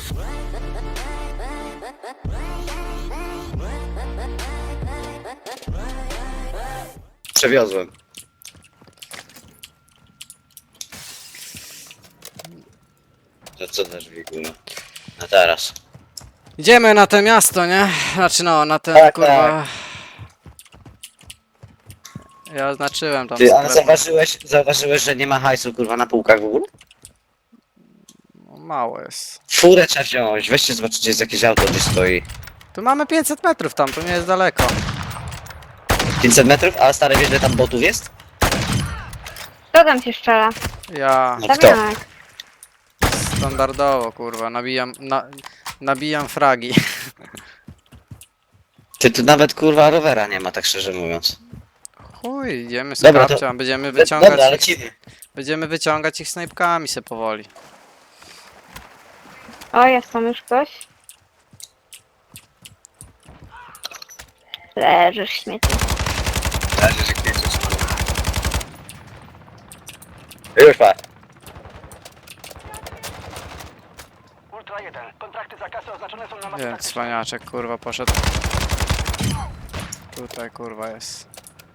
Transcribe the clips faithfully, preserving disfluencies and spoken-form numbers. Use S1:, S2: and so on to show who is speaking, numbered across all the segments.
S1: Przewiozłem. To co też wiguję? No teraz.
S2: Idziemy na to miasto, nie? Znaczy no, na ten
S1: Tak,
S2: kurwa... Ja oznaczyłem tam
S1: Ty, ale
S2: sklep.
S1: zauważyłeś, zauważyłeś, że nie ma hajsu kurwa na półkach w ogóle?
S2: No, mało jest.
S1: Furę trzeba wziąć, weźcie zobaczycie, gdzie jest jakieś auto, gdzie stoi.
S2: Tu mamy pięćset metrów tam, to nie jest daleko.
S1: pięćset metrów, a stary wiesz, że tam botów jest?
S3: Kto tam się strzela?
S2: Ja
S1: No kto?
S3: Damianek.
S2: standardowo kurwa, nabijam, na, nabijam fragi.
S1: Ty tu nawet kurwa rowera nie ma, tak szczerze mówiąc.
S2: Chuj, idziemy z
S1: Dobra, to-
S2: kapcią, będziemy wyciągać
S1: Dobra,
S2: ich,
S1: lecimy.
S2: będziemy wyciągać ich snajpkami se powoli.
S3: O, jest tam już ktoś. Leżysz śmieci.
S1: Już pa.
S4: Ultra jeden. Kontrakty za kasę oznaczone są na mapie.
S2: Nie, cwaniaczek kurwa poszedł. Tutaj kurwa jest.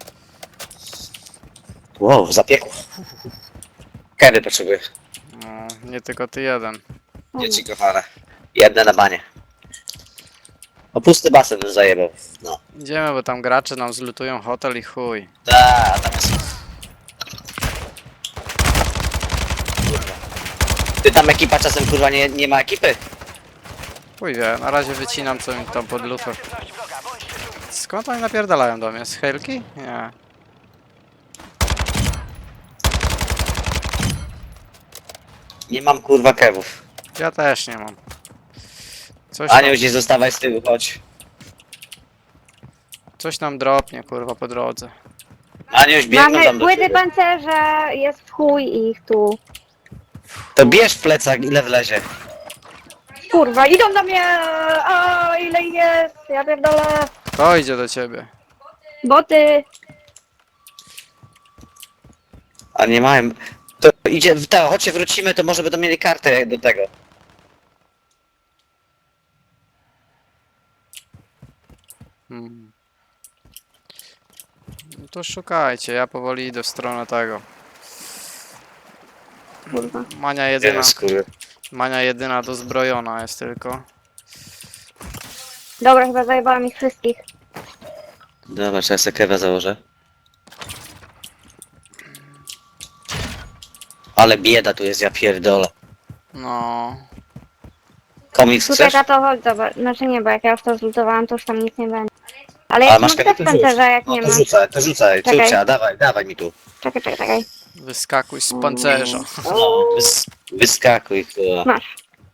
S1: Wow, zapiekło. Kiedy potrzebuję?
S2: No, nie tylko ty jeden.
S1: Dzieci kochane. Jedne na banie. O pusty basen bym zajebał. No.
S2: Idziemy, bo tam gracze nam zlutują hotel i chuj.
S1: Da, tam jest. Kurwa. Ty tam ekipa czasem kurwa nie, nie ma ekipy?
S2: Chuj wie, na razie wycinam co mi tam pod lufę.
S4: Aktywność wroga. Bądźcie czujni.
S2: Skąd oni napierdalają do mnie? Z helki? Nie.
S1: Nie mam kurwa kewów.
S2: Ja też nie mam. Coś
S1: Anioł,
S2: nam,
S1: gdzieś zostawaj z tyłu, chodź.
S2: coś nam dropnie kurwa po drodze.
S1: Anioś, biegną
S3: Mamy
S1: tam do
S3: płyty
S1: ciebie.
S3: pancerza, jest w chuj i ich tu.
S1: To bierz plecak, ile wlezie.
S3: Kurwa, idą do mnie! O, ile ich jest! Ja pierdolę!
S2: To idzie do ciebie.
S3: Boty!
S1: A nie mają. To idzie, tak, chodźcie wrócimy, to może będą mieli kartę do tego.
S2: Hmm. No to szukajcie, ja powoli idę w stronę tego.
S3: Kurwa.
S2: Mania jedyna,
S1: Jeden skóry.
S2: Mania jedyna dozbrojona jest tylko.
S3: Dobra, chyba zajebałam ich wszystkich.
S1: Dobra, czy ja sobie kewa założę? Ale bieda tu jest, ja pierdolę.
S2: No.
S1: Komiks
S3: Tutaj
S1: chcesz?
S3: tato, chodź zobacz. Znaczy nie, bo jak ja już to zlutowałam, to już tam nic nie będzie. Ale
S1: A
S3: jak
S1: masz
S3: mam
S1: kewa,
S3: też
S1: to rzuć.
S3: pancerza, jak
S1: No
S3: nie
S1: to
S3: masz.
S1: rzucaj, to rzucaj,
S3: Czekaj.
S1: czucia, dawaj, dawaj mi tu.
S3: Czekaj, czekaj, czekaj.
S2: Wyskakuj z pancerza.
S1: No, wys wyskakuj, kurwa.
S3: Masz.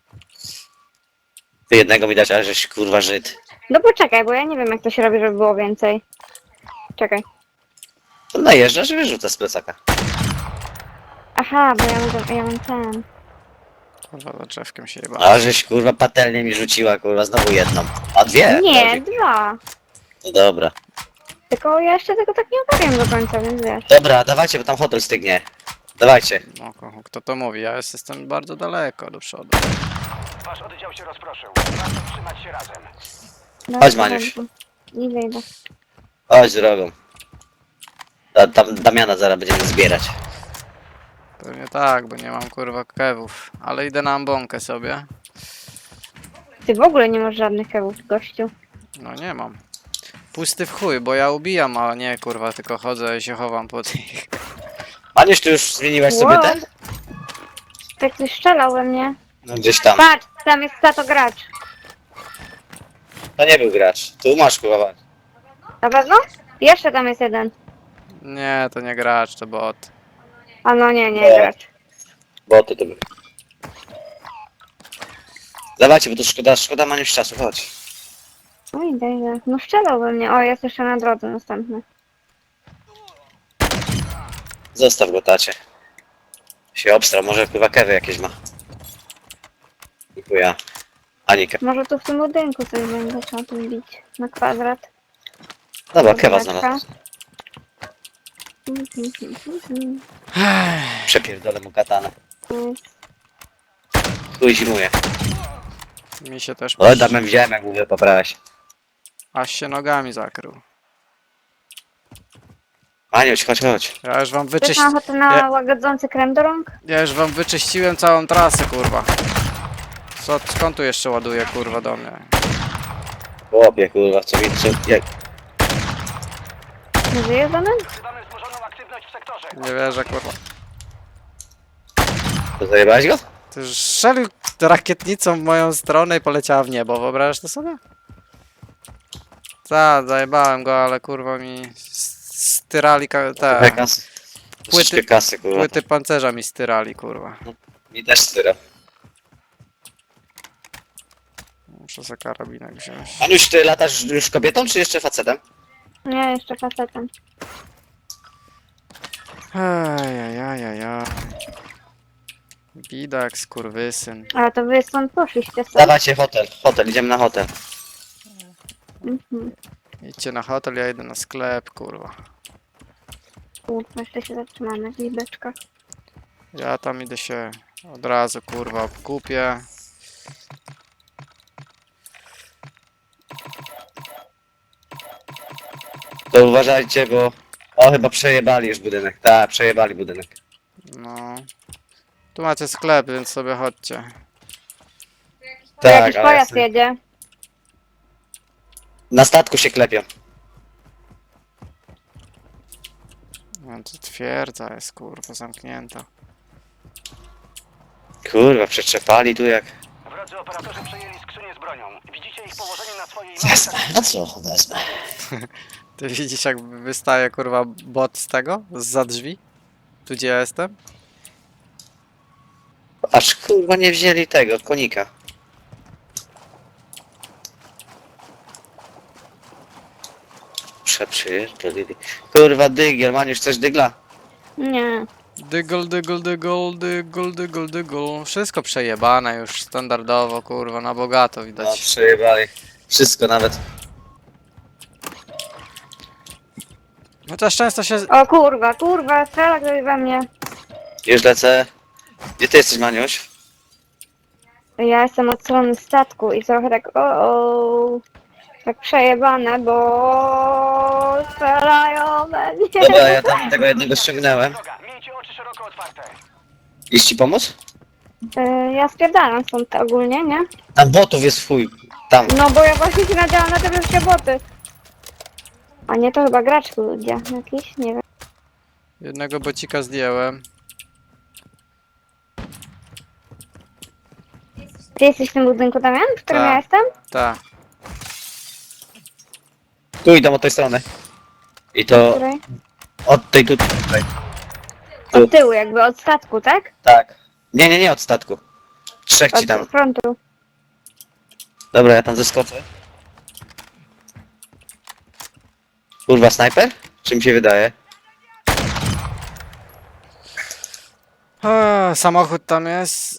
S1: Ty jednego mi dać, ale żeś kurwa Żyd.
S3: No poczekaj, bo ja nie wiem jak to się robi, żeby było więcej. Czekaj.
S1: To najeżdżasz i wyrzucasz z plecaka.
S3: Aha, bo ja mam, ja mam ten.
S2: Kurwa, za drzewkiem się jeba.
S1: A żeś kurwa patelnie mi rzuciła, kurwa, znowu jedną. A dwie?
S3: Nie,
S1: Dobrze.
S3: dwa.
S1: No dobra.
S3: Tylko ja jeszcze tego tak nie ogarniam do końca, więc wiesz.
S1: Dobra, dawajcie, bo tam hotel stygnie. Dawajcie.
S2: No, ko- kto to mówi? Ja jest- jestem bardzo daleko do przodu.
S4: Wasz oddział się rozproszył. Warto trzymać się razem.
S3: No,
S1: Chodź, Maniuś.
S3: Idę, idę.
S1: Chodź drogą. A, tam Damiana zaraz będziemy zbierać.
S2: Pewnie tak, bo nie mam kurwa kewów. Ale idę na ambonkę sobie.
S3: Ty w ogóle nie masz żadnych kewów, gościu.
S2: No nie mam. Pusty w chuj, bo ja ubijam, a nie kurwa, tylko chodzę i się chowam pod nich.
S1: Aniuś, ty już zmieniłaś sobie
S3: Wow.
S1: ten?
S3: Tak ktoś strzelał we mnie.
S1: No gdzieś tam.
S3: Patrz, tam jest tato gracz.
S1: To nie był gracz. Tu masz kurwa.
S3: Na pewno? Jeszcze tam jest jeden.
S2: Nie, to nie gracz, to bot.
S3: A no nie, nie,
S1: Nie.
S3: gracz.
S1: Boty to były. Dawajcie, bo to szkoda, szkoda Maniuś czasu, chodź.
S3: No idę, idę. No strzelał we mnie. O, jest jeszcze na drodze następny.
S1: Zostaw go, tacie. Się obstra, może chyba kewy jakieś ma. Dziękuję. Anika.
S3: Może tu w tym budynku coś będzie trzeba tu bić. Na kwadrat.
S1: Dobra, kewa
S3: Kwadrat.
S1: znalazł.
S3: Mhm, mhm, mhm.
S1: Przepierdolę mu katanę.
S3: Mhm.
S1: Chuj zimuje.
S2: Mi się też
S1: Oj, tam widziałem jak mówię, poprawiać.
S2: aż się nogami zakrył.
S1: Aniuś, chodź, chodź.
S2: Ja już wam
S3: Chcesz
S2: wyczyś...
S3: na ochotę na
S2: Ja-
S3: łagodzący krem do rąk?
S2: Ja już wam wyczyściłem całą trasę, kurwa. Co, skąd tu jeszcze ładuje, kurwa, do mnie?
S1: Chłopie, kurwa, co mi... Co, jak...
S3: Nie żyje za nami?
S4: Wzywamy wzmożoną aktywność w sektorze.
S2: Nie wierzę, kurwa.
S1: To zajebałeś go?
S2: Ty już strzelił rakietnicą w moją stronę i poleciała w niebo, wyobrażasz to sobie? Tak, zajebałem go, ale kurwa mi s- styrali ka-
S1: Trochę
S2: te
S1: kasy.
S2: Płyty-
S1: Troszeczkę kasy, kurwa.
S2: płyty pancerza mi styrali, kurwa.
S1: Mi też styra.
S2: Muszę za karabinek wziąć.
S1: Aniuś, ty latasz już kobietą, czy jeszcze facetem?
S3: Nie, jeszcze facetem.
S2: Ajajajajaj. Bidak, skurwysyn.
S3: Ale to wy stąd poszliście sobie.
S1: Dawajcie hotel, hotel, idziemy na hotel.
S3: Mhm.
S2: Idźcie na hotel, ja idę na sklep, kurwa.
S3: Kurwa, jeszcze się zatrzymamy w libeczkach.
S2: Ja tam idę się od razu, kurwa, kupię.
S1: To uważajcie, bo... O, chyba przejebali już budynek. Tak, przejebali budynek.
S2: No. Tu macie sklep, więc sobie chodźcie.
S3: Tu jakiś
S1: ale
S3: pojazd
S1: jasne.
S3: jedzie.
S1: Na statku się klepią.
S2: No to twierdza jest, kurwa, zamknięta.
S1: Kurwa, przeczepali tu jak...
S4: Wrodzy operatorzy przejęli skrzynię z bronią. Widzicie ich położenie na swojej
S1: Wezmę, no co, wezmę.
S2: Ty widzisz, jak wystaje, kurwa, bot z tego? Zza drzwi? Tu gdzie ja jestem?
S1: Aż kurwa nie wzięli tego, konika. Przeprzyjeżdżali. Kurwa, dygiel, Maniusz, chcesz dygla?
S3: Nie.
S2: Dygol, dygol, dygol, dygol, dygol, dygol. Wszystko przejebane już standardowo, kurwa, na bogato
S1: No,
S2: widać.
S1: przejebali. Wszystko nawet.
S2: Chociaż często się...
S3: O kurwa, kurwa, strzela ktoś we mnie.
S1: Już lecę. Gdzie ty jesteś, Maniuś?
S3: Ja jestem od strony statku i trochę tak o, o tak przejebane, bo strzelają we mnie.
S1: Dobra, ja tam tego jednego ściągnąłem.
S4: Droga, miejcie oczy szeroko otwarte.
S1: Iść ci pomóc?
S3: E, Ja spierdalam stąd ogólnie, nie?
S1: Tam botów jest w chuj. Tam.
S3: No bo ja właśnie się nadziałam na te wszystkie boty. A nie, to chyba gracz ludzie jakiś, nie wiem.
S2: Jednego bocika zdjąłem.
S3: Ty jesteś w tym budynku, Damian, w którym
S2: Tak.
S3: ja jestem?
S2: Ta.
S1: Tu idą od tej strony. I
S3: W
S1: to
S3: której?
S1: od tej tu. Tutaj.
S3: Od tyłu jakby, od statku, tak?
S1: Tak. Nie, nie, nie od statku. Trzech ci tam.
S3: Od frontu.
S1: Dobra, ja tam zeskoczę. Kurwa, snajper? Czy mi się wydaje?
S2: Eee, samochód tam jest.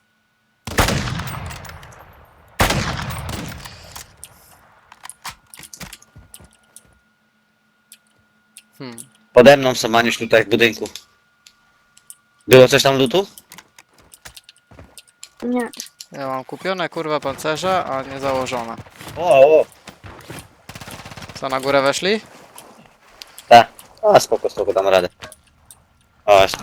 S2: Hmm.
S1: Pode mną są, Maniuś, tutaj w budynku. Było coś tam lutu?
S3: Nie.
S2: Ja mam kupione, kurwa, pancerze, a nie założone.
S1: O, o.
S2: Co, na górę weszli?
S1: Tak. A, spoko, spoko, dam radę. O, jeszcze.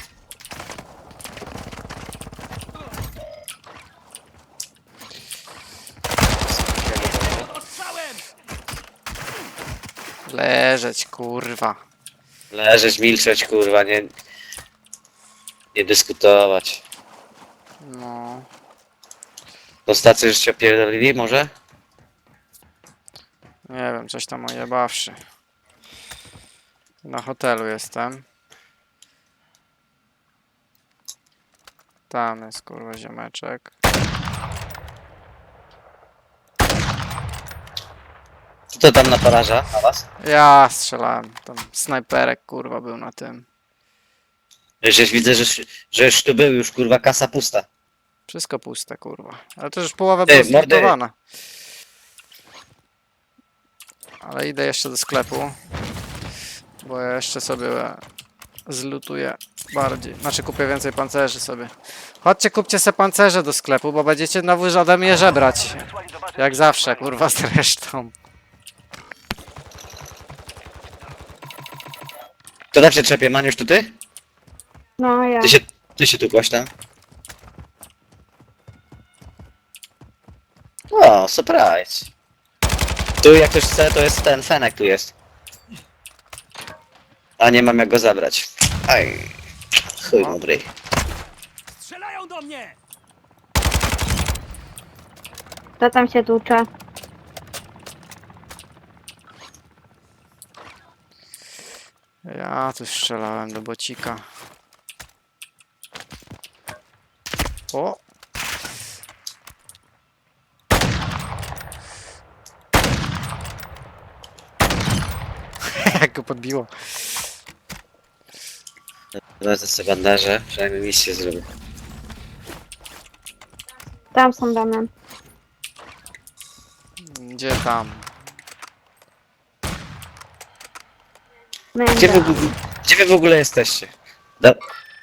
S2: Leżeć, kurwa.
S1: Leżeć, milczeć, kurwa, nie... Nie dyskutować.
S2: No.
S1: Do stacji już się opierdolili, może?
S2: Nie wiem, coś tam ojebawszy. Na hotelu jestem. Tam jest, kurwa, ziomeczek.
S1: Co to tam na paraża na was?
S2: Ja strzelałem. Tam snajperek, kurwa, był na tym.
S1: Żeś widzę, że, że już tu był, już kurwa kasa pusta.
S2: Wszystko puste, kurwa. Ale to już połowa
S1: Ty,
S2: była
S1: mordy.
S2: zlikwidowana. Ale idę jeszcze do sklepu. Bo ja jeszcze sobie zlutuję bardziej. Znaczy kupię więcej pancerzy sobie. Chodźcie, kupcie se pancerze do sklepu, bo będziecie znowu ode mnie żebrać.
S4: Wysłali do bazy
S2: Jak zawsze, kurwa, zresztą.
S1: To tam się trzepie, Maniusz, to ty?
S3: No ja.
S1: Ty się, ty się tu tam. O, surprise. Tu jak ktoś chce, to jest ten Fenek tu jest. A nie mam jak go zabrać. Aj. Chuj dobry.
S4: Strzelają do mnie!
S3: To tam się tłucze.
S2: Ja tu strzelałem do bocika. O! Jak go podbiło.
S1: Wezmę sobie bandaże, przynajmniej misję zrobię.
S3: Tam są Damian.
S2: Gdzie tam?
S1: Gdzie wy,
S3: Męda.
S1: gdzie wy w ogóle jesteście? Da...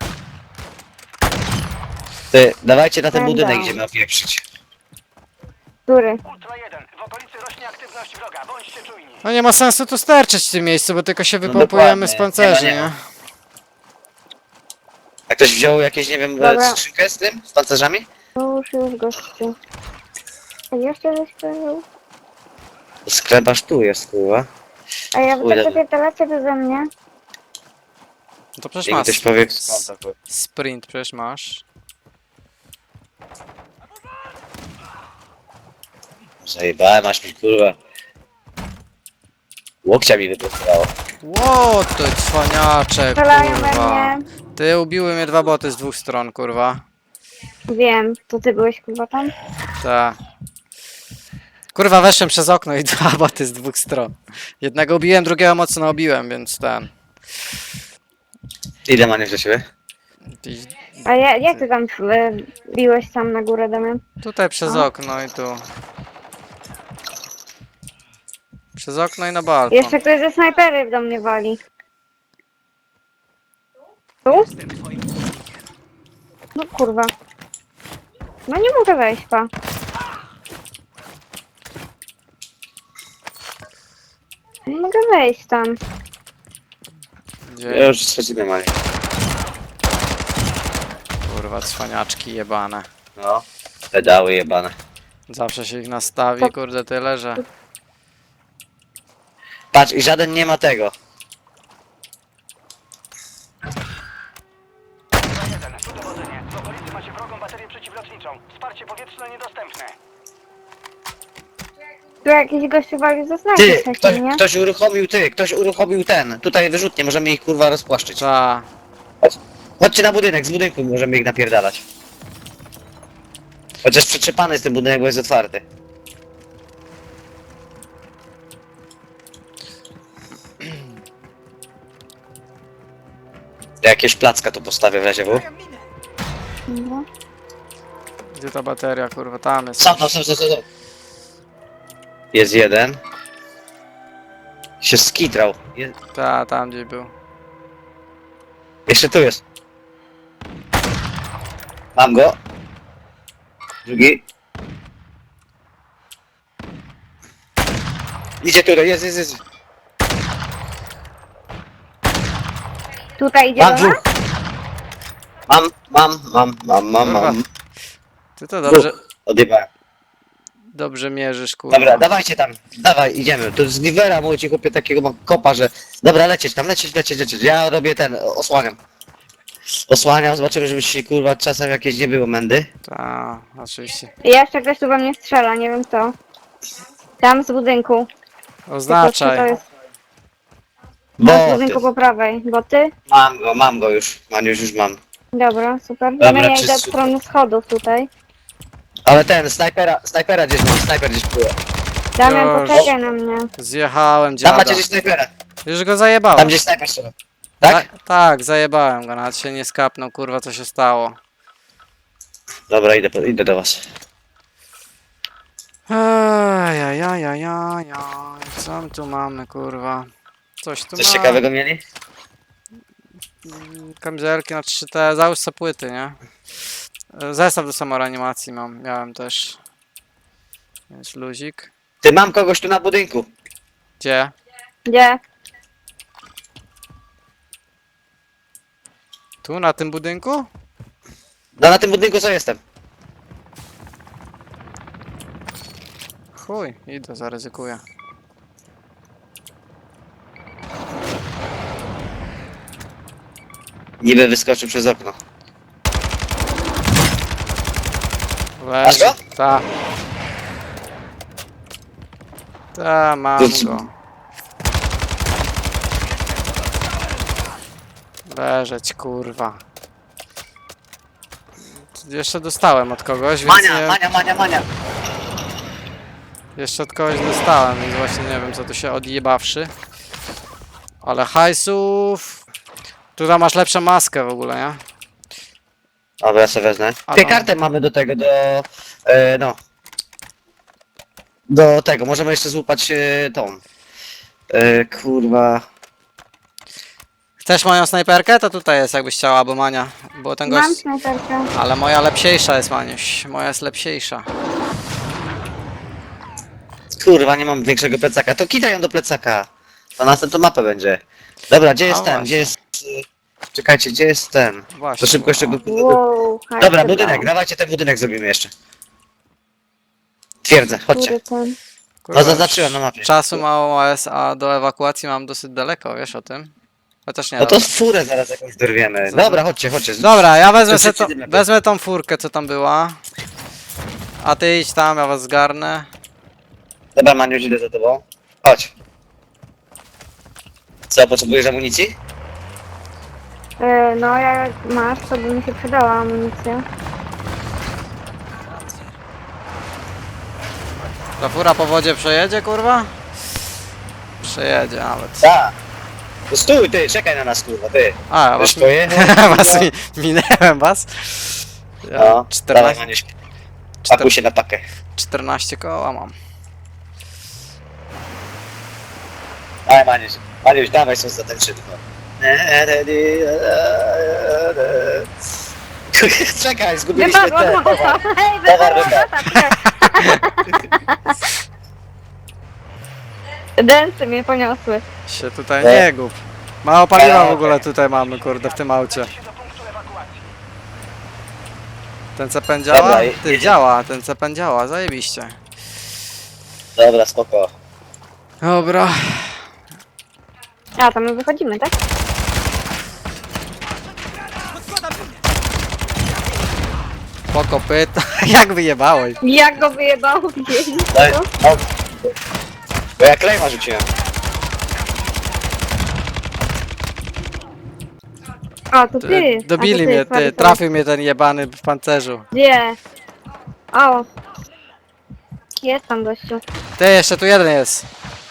S1: Ty, dawajcie na ten
S3: Będę.
S1: budynek, gdzie ma pieprzyć.
S3: Który?
S4: Ultra jeden. W okolicy rośnie aktywność wroga. Bądźcie czujni.
S2: No nie ma sensu tu sterczyć w tym miejscu, bo tylko się
S1: No
S2: wypompujemy
S1: dokładnie.
S2: z pancerzy,
S1: Nie ma, nie
S2: nie?
S1: ma. A ktoś wziął jakieś, nie wiem,
S3: Dobra.
S1: skrzynkę z tym? Z pancerzami?
S3: Już, już gościu. A jeszcze żeś powiedział?
S1: Skleparz tu jest, kurwa.
S3: A ja
S1: Chuj,
S3: tak
S1: dobra.
S3: zapierdalacie beze mnie?
S2: No to przecież
S1: Jak mi
S2: masz
S1: ktoś powie, skąd to, kurwa.
S2: sprint, przecież masz.
S1: Zajebałem, aż mi, kurwa. Łokcia mi wyprostowało.
S2: Ło, ty cwaniaczek,
S3: Strzelają we
S2: kurwa.
S3: mnie.
S2: Ty, ubiły mnie dwa boty z dwóch stron, kurwa.
S3: Wiem, to ty byłeś chyba tam?
S2: Ta. Kurwa, weszłem przez okno i dwa boty z dwóch stron. Jednego ubiłem, drugiego mocno obiłem, więc ten.
S1: Ile maniesz do siebie?
S2: I
S3: A ja, jak ty tam e, biłeś tam na górę, Damian?
S2: tutaj przez
S3: A.
S2: okno i tu. Przez okno i na balkon.
S3: Jeszcze ktoś ze snajpery do mnie wali. Tu? No kurwa. No nie mogę wejść, pa. Nie mogę wejść tam.
S2: Gdzie?
S1: Ja już trzeci mali.
S2: Kurwa, cwaniaczki jebane.
S1: No. Pedały jebane.
S2: Zawsze się ich nastawi,
S3: To-
S2: kurde, tyle, że...
S1: Patrz, i żaden nie ma tego.
S4: Ultra jeden. Tu dowodzenie. W okolicy macie wrogą baterię przeciwlotniczą. Wsparcie powietrzne niedostępne.
S3: Tu jakiś gościu wali ze snajpery
S1: Ty, ktoś,
S3: wcześniej, nie?
S1: ktoś uruchomił, ty, ktoś uruchomił ten. Tutaj wyrzutnie, możemy ich kurwa rozpłaszczyć.
S2: Ta.
S1: Chodźcie na budynek, z budynku możemy ich napierdalać. Chociaż przetrzepany jest ten budynek, bo jest otwarty. Jakieś placka tu postawię w razie W.
S3: No.
S2: Gdzie ta bateria, kurwa, tam jest.
S1: Sam, sam, sam, sam, sam. Jest jeden. Się skitrał. Je...
S2: Ta, tam gdzie był.
S1: Jeszcze tu jest. Mam go. Drugi. Idzie tutaj, jest, jest, jest.
S3: Tutaj idzie
S1: Mam
S3: do nas?
S1: dwóch. Mam, mam, mam, mam, mam, mam.
S2: Ty to dobrze,
S1: Odjebałem.
S2: dobrze mierzysz, kurwa.
S1: Dobra, dawajcie tam, dawaj, idziemy. To z Givera mój ci chłopie takiego mam kopa, że... Dobra, lecieć tam, lecieć, lecieć, lecieć. Ja robię ten, osłaniam. Osłaniam, zobaczymy, żeby się kurwa czasem jakieś nie było mędy.
S2: Ta, oczywiście.
S3: I jeszcze ktoś tu we mnie strzela, nie wiem co. Tam z budynku. Tylko czy to
S2: Oznaczaj.
S3: jest no, z
S1: Bo
S3: budynku po prawej. Bo ty?
S1: mam go, mam go już. Maniusz już mam.
S3: Dobra, super.
S1: Dobra,
S3: Dobra, ja idę od
S1: czysto.
S3: strony schodów tutaj.
S1: Ale ten, snajpera, snajpera gdzieś mam, snajper gdzieś pływa.
S3: Damian,
S2: Już.
S3: poczekaj na mnie.
S2: Zjechałem
S1: Tam
S2: dziada.
S1: macie gdzieś snajpera.
S2: Już go zajebałem.
S1: Tam gdzieś snajper strzela. Tak?
S2: Ta, tak, zajebałem go, nawet się nie skapnął, kurwa, co się stało.
S1: Dobra, idę, po- idę do was.
S2: Ajajajajajaj, co my tu mamy, kurwa? Coś tu
S1: Coś
S2: ma.
S1: ciekawego mieli?
S2: kamizelki, znaczy te, załóż sobie płyty, nie? Zestaw do samoreanimacji mam, miałem też. Jest luzik.
S1: Ty, mam kogoś tu na budynku.
S2: Gdzie?
S3: Gdzie?
S2: Tu, na tym budynku?
S1: No na tym budynku co jestem?
S2: Chuj, idę, zaryzykuję.
S1: Niby wyskoczył przez okno.
S2: Leży.
S1: go?
S2: Ta. Ta, mam
S1: To c-
S2: go. Leżeć, kurwa. Jeszcze dostałem od kogoś, więc
S1: Mania,
S2: nie...
S1: mania, mania, mania.
S2: Jeszcze od kogoś dostałem, więc właśnie nie wiem co tu się odjebawszy. Ale hajsów... Tutaj masz lepszą maskę w ogóle, nie?
S1: Dobra, ja sobie wezmę.
S2: A
S1: Ty,
S2: no.
S1: kartę mamy do tego, do... E, no. Do tego, możemy jeszcze złupać e, tą. E, kurwa...
S2: Chcesz moją snajperkę? To tutaj jest, jakbyś chciała, albo Mania. Bo ten
S3: Mam
S2: gość...
S3: snajperkę.
S2: Ale moja lepsiejsza jest, Maniuś. Moja jest lepsiejsza.
S1: Kurwa, nie mam większego plecaka. To kidaj ją do plecaka. To następną mapę będzie. Dobra, gdzie jest
S2: A
S1: ten?
S2: właśnie.
S1: Gdzie jest... e, Czekajcie, gdzie jest ten?
S2: Właśnie.
S1: To szybko jeszcze go...
S3: Wow,
S1: Dobra,
S3: hajs
S1: budynek,
S3: wybrałam.
S1: dawajcie ten budynek zrobimy jeszcze. Twierdzę, chodźcie.
S3: Który ten?
S2: Kurwa,
S1: No zaznaczyłem na mapie.
S2: Czasu mało jest, a do ewakuacji mam dosyć daleko, wiesz o tym? Chociaż nie,
S1: No to
S2: dobra.
S1: furę zaraz jakąś dorwiemy.
S2: Zazna-
S1: Dobra, chodźcie, chodźcie.
S2: Dobra, ja wezmę,
S1: To
S2: se to,
S1: przeciwnie lepiej.
S2: wezmę tą furkę, co tam była. A ty idź tam, ja was zgarnę.
S1: Dobra, Maniuś, idę za tobą. Chodź. Co, potrzebujesz amunicji?
S3: E, no jak masz, to by mi się przydała amunicja.
S2: Ta fura po wodzie przejedzie, kurwa? Przejedzie nawet.
S1: Tak. No stój, ty, czekaj na nas, kurwa, ty.
S2: A, ja was,
S1: Wiesz, pojechał,
S2: was
S1: kurwa?
S2: mi, minęłem was. Ja
S1: No, dawaj,
S2: czternaście,
S1: Maniuś. Pakuj się na pakę.
S2: czternaście koła mam.
S1: Dawaj, Maniuś. Maniuś, dawaj, są zatańczyny. Czekaj, zgubiliśmy
S3: Wypadła
S1: te.
S3: mopa! Hej,
S1: Towar
S3: wypadła
S1: wypadł.
S3: mopa! Dęsy mnie poniosły.
S2: Się tutaj
S1: E.
S2: nie gub. Mało paliwa w
S1: E.
S2: ogóle tutaj mamy, kurde, w tym aucie.
S4: się do punktu ewakuacji.
S2: Ten C P N działa?
S1: Dobra, i-
S2: Ty,
S1: jedziemy.
S2: działa, ten C P N działa, zajebiście.
S1: Dobra, spoko.
S2: Dobra.
S3: A, to my wychodzimy, tak?
S2: Po kopyta. Jak wyjebałeś?
S3: Jak go wyjebało gdzieś?
S1: Daj, no. Bo ja klejma rzuciłem.
S3: A, to ty!
S2: Dobili
S3: A, to
S2: mnie,
S3: sorry,
S2: ty.
S3: sorry.
S2: Trafił mnie ten jebany w pancerzu.
S3: Gdzie? O! Jest tam gościu.
S2: Ty, jeszcze tu jeden jest.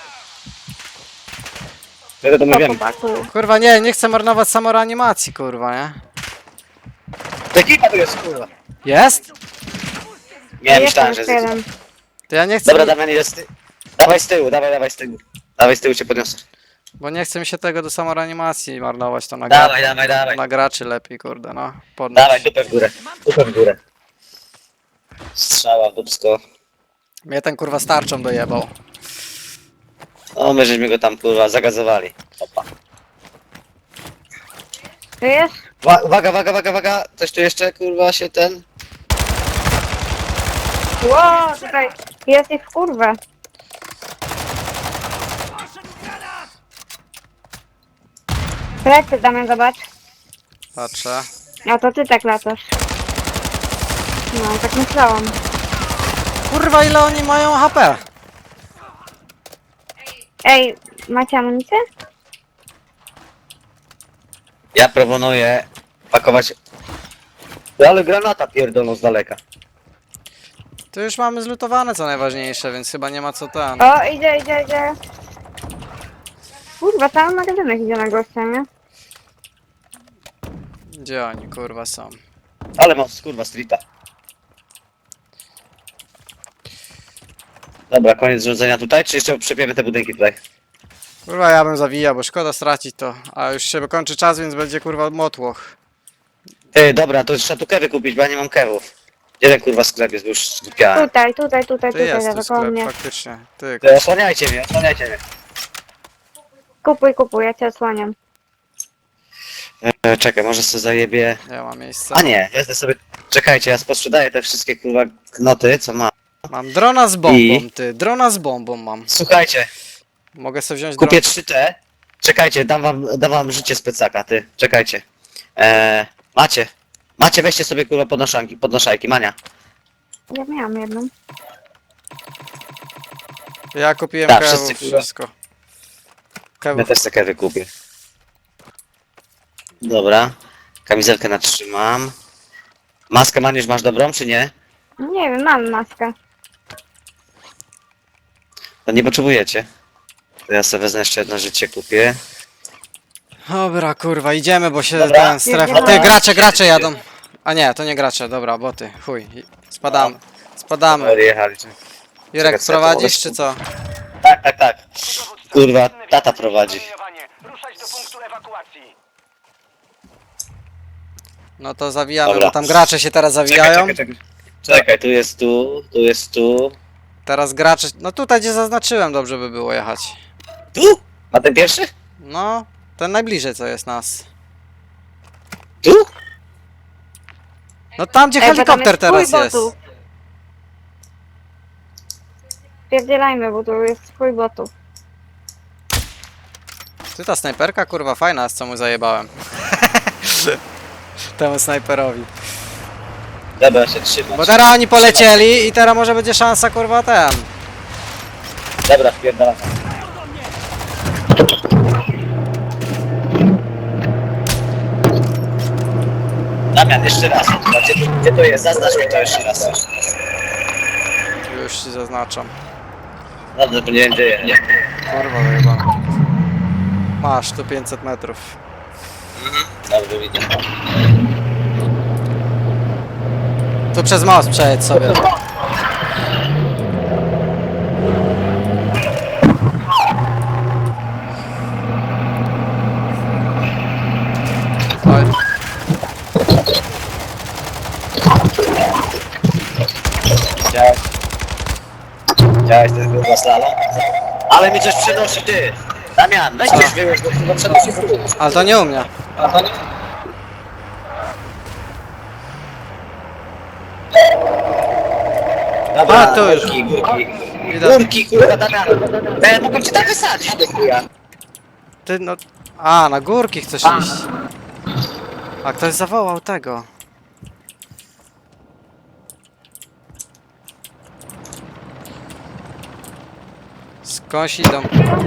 S1: Wtedy to my
S3: To
S1: wiemy.
S3: chłopaku.
S2: Kurwa, nie, nie chcę marnować samoreanimacji, kurwa, nie?
S1: To ekipa tu jest, kurwa.
S2: Jest?
S1: Nie,
S3: Jest
S1: myślałem, że
S3: jeszcze
S1: jest.
S3: jeden.
S2: To ja nie chcę,
S1: Dobra, Damian, jest ty. Dawaj z tyłu, dawaj, dawaj z tyłu. Dawaj z tyłu cię podniosę.
S2: bo nie chce mi się tego do samoreanimacji marnować, to na,
S1: Dawaj,
S2: gra...
S1: dawaj, dawaj.
S2: na graczy lepiej, kurde, no. Podnoś.
S1: Dawaj, dupę w górę. Dupę w górę. Strzała w dupsko.
S2: Mnie ten kurwa starczą dojebał.
S1: O, my żeśmy go tam, kurwa, zagazowali. Opa.
S3: To jest?
S1: Wa- Uwaga, uwaga, uwaga, uwaga. Coś tu jeszcze, kurwa, się ten...
S3: Ło, tutaj jest ich w kurwę. Plecy, Damian, zobacz.
S2: Patrzę.
S3: A to ty tak latasz. No, tak myślałam.
S2: Kurwa, ile oni mają H P?
S3: Ej, macie amunicję?
S1: Ja proponuję pakować... Ale granata pierdolą z daleka.
S2: To już mamy zlutowane co najważniejsze, więc chyba nie ma co ten.
S3: O, idzie, idzie, idzie. Kurwa, cały magazynek idzie na gościa, nie?
S2: Gdzie oni kurwa są?
S1: Ale mam, kurwa, streeta. Dobra, koniec rzucenia tutaj, czy jeszcze przepiemy te budynki tutaj?
S2: Kurwa, ja bym zawijał, bo szkoda stracić to. A już się kończy czas, więc będzie kurwa motłoch.
S1: Ty, dobra, to trzeba tu kewy kupić, bo ja nie mam kewów. Gdzie ten kurwa sklep jest, bo już skupiałem.
S3: Tutaj, tutaj, tutaj,
S2: Ty
S3: tutaj,
S2: jest tu
S3: daleko od
S2: sklep,
S3: mnie.
S2: faktycznie. Ty,
S1: Ty, osłaniajcie mnie, osłaniajcie mnie.
S3: Kupuj, kupuj, ja cię osłaniam.
S1: E, czekaj, może sobie zajebie...
S2: nie ma miejsca.
S1: A nie, wezmę sobie... Czekajcie, ja posprzedaję te wszystkie kurwa knoty, co mam.
S2: Mam drona z bombą,
S1: I?
S2: ty. Drona z bombą mam.
S1: Słuchajcie,
S2: Mogę sobie wziąć
S1: kupię
S2: dron.
S1: trzy te. Czekajcie, dam wam, dam wam życie z plecaka, ty. Czekajcie. E, macie. Macie, weźcie sobie kurwa podnoszanki, podnoszajki, Mania.
S3: Ja miałam jedną.
S2: Ja kupiłem
S1: Tak,
S2: kewów,
S1: wszyscy, kurwa.
S2: wszystko.
S1: Ja
S2: Kewów.
S1: też te kewy kupię. Dobra. Kamizelkę natrzymam. Maskę Maniusz masz dobrą, czy nie?
S3: Nie wiem, mam maskę.
S1: To nie potrzebujecie. To ja sobie wezmę jeszcze jedno życie, kupię.
S2: Dobra, kurwa, idziemy, bo się
S1: Dobra.
S2: ten strefa...
S3: Jedziemy.
S2: Ty, gracze, gracze jadą. A nie, to nie gracze, dobra, boty. Chuj, spadamy. Spadamy.
S1: Odjechali.
S2: Jurek,
S1: Czekaj, co ja to
S2: prowadzisz
S1: mogę
S2: czy co?
S1: Tak, tak, tak.
S4: Dowódca,
S1: Kurwa,
S4: czynny
S1: tata
S4: wniosek,
S1: prowadzi.
S4: promieniowanie. Ruszać do punktu ewakuacji.
S2: No to zawijamy,
S1: Dobra.
S2: bo tam gracze się teraz
S1: Czekaj,
S2: zawijają.
S1: czekaj, czekaj. Czekaj, tu jest tu, tu jest tu.
S2: Teraz gracze... No tutaj gdzie zaznaczyłem, dobrze by było jechać.
S1: Tu? A ten pierwszy?
S2: No, ten najbliżej co jest nas.
S1: Tu?
S2: No tam gdzie
S3: Ej, bo tam
S2: helikopter
S3: jest
S2: teraz
S3: twój
S2: jest.
S3: botów. Spierdzielajmy, bo tu jest twój botów.
S2: Ty ta snajperka kurwa fajna jest, co mu zajebałem. Temu snajperowi.
S1: Dobra, ja się trzymam.
S2: Bo teraz oni polecieli i teraz może będzie szansa kurwa ten.
S1: Dobra, wpierdalam. Damian, jeszcze raz. Gdzie, gdzie to jest? Zaznacz mi to jeszcze raz.
S2: Już ci zaznaczam.
S1: Dobrze, bo nie wiem gdzie jest. Nie.
S2: Kurwa zajebałem. Masz tu pięćset metrów.
S1: Dobrze, widzę.
S2: Tu przez most przejedź sobie. Oj.
S1: Widziałeś? Widziałeś ten kurwa slalom? Ale mi coś przynosi, ty! Damian, weź
S2: Co?
S1: coś wyłóż, bo chyba przenosi tu.
S2: Ale to nie u mnie.
S1: Dobra,
S2: A, to już.
S1: górki, górki.
S2: Widać.
S1: Górki, kurwa, Damian. Ja mogłem cię tak wysadzić, do chuja.
S2: Ty no... A, na górki chcesz iść. A ktoś zawołał tego. Skądś idą.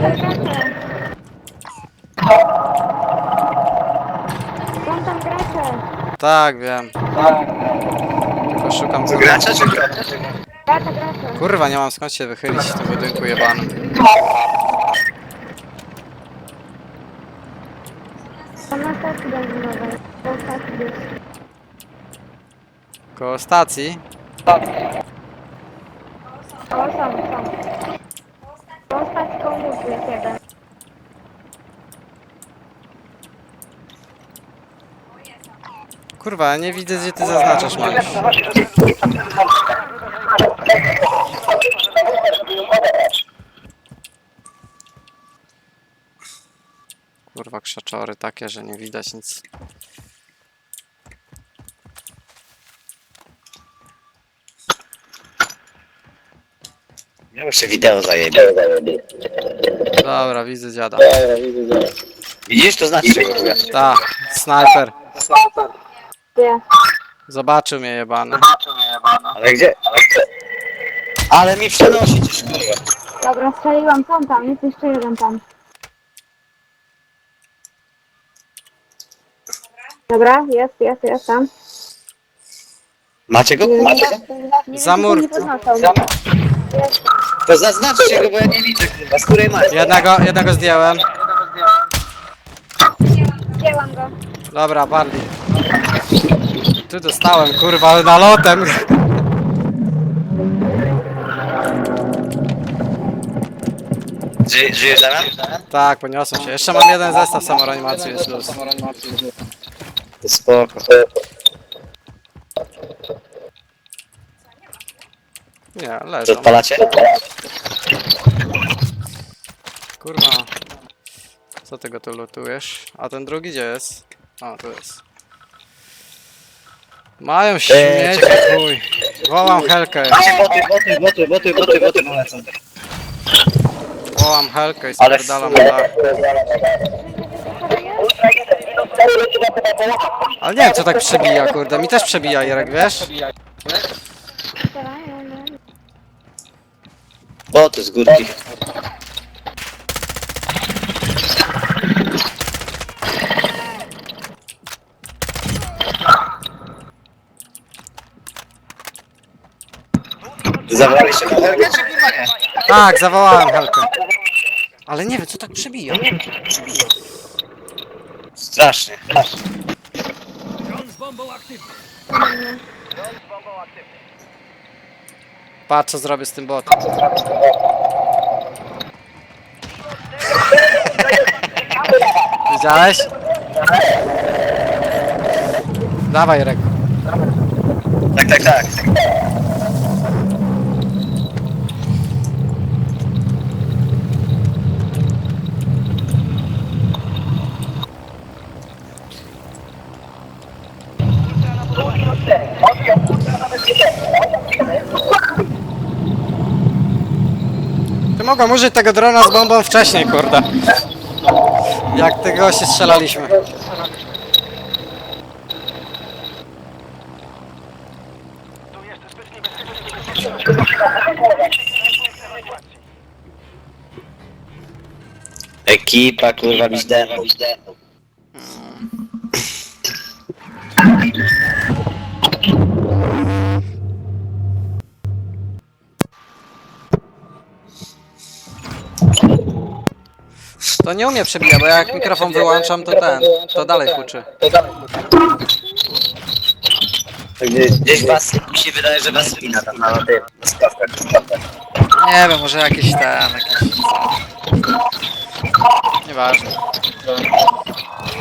S3: Są tam gracze.
S2: Tak, wiem. Tylko szukam co.
S1: Gracza czy gracza?
S3: Gracze, gracze.
S2: Kurwa, nie mam skąd się wychylić w tym budynku jebanym.
S3: Są na stacji benzynowej. Po stacji jest.
S2: Koło stacji.
S3: O, są, są. Po stacji koło łuku jest jeden.
S2: Kurwa, ja nie widzę gdzie ty zaznaczasz, Maniusz. Kurwa, krzaczory takie, że nie widać nic.
S1: Ja jeszcze wideo zajebie.
S2: Dobra, widzę dziada.
S1: Widzisz, to znaczy, że kurwa.
S2: Ta, snajper.
S3: Gdzie?
S2: Zobaczył mnie jebany.
S1: Ale gdzie? Ale gdzie? Ale mi przenosi coś, kurwa.
S3: Dobra, strzeliłam, są tam, jest jeszcze jeden tam. Dobra, jest, jest, jest tam.
S1: Macie go?
S3: Nie,
S1: Macie go?
S3: nie,
S2: Za
S3: nie,
S2: mur.
S3: nie podnoszą.
S1: To zaznaczcie go, bo ja nie widzę, kurwa. Z której macie?
S2: Jednego, jednego zdjąłem.
S3: Zdjęłam go.
S2: Dobra, bardziej. Tu dostałem, kurwa, nalotem.
S1: Ży, żyjesz Damian?
S2: Tak, poniosłem się. Jeszcze mam jeden zestaw samoreanimacji, jest luz.
S1: To spoko.
S2: Nie,
S1: Co
S2: leżą.
S1: odpalacie?
S2: Kurwa. Co ty go tu lutujesz? A ten drugi gdzie jest? O, tu jest. Mają śmieci,
S1: czekaj.
S2: chuj. Wołam Helkę.
S1: Macie boty, boty, boty, boty, boty, boty polecą.
S2: Wołam Helkę i
S1: Ale
S2: spierdalam na dach. Ale nie wiem co tak przebija, kurde. Mi też przebija, Jerek, wiesz?
S1: Boty z górki. Zabraliście na Helgę, czy kurwa nie?
S2: Tak, zawołałem Helkę. Ale nie wiem co tak przebija.
S1: Strasznie.
S4: Dron z bombą aktywny.
S2: Patrz co zrobię z tym botem. Widziałeś? Dawaj, Jerek.
S1: Tak, tak, tak.
S2: Ty mogłem użyć tego drona z bombą wcześniej, kurde. Jak tego się strzelaliśmy.
S4: Tu jest zbyt niebezpiecznie.
S1: Ekipa, kurwa, widzę.
S2: To nie umie przebijać, bo jak mikrofon wyłączam, to ten, to dalej huczy.
S1: Gdzieś, gdzieś was, mi się wydaje, że was wina tam na tym, na skawkach.
S2: Nie wiem, może jakiś ten, jakiś... Nieważne.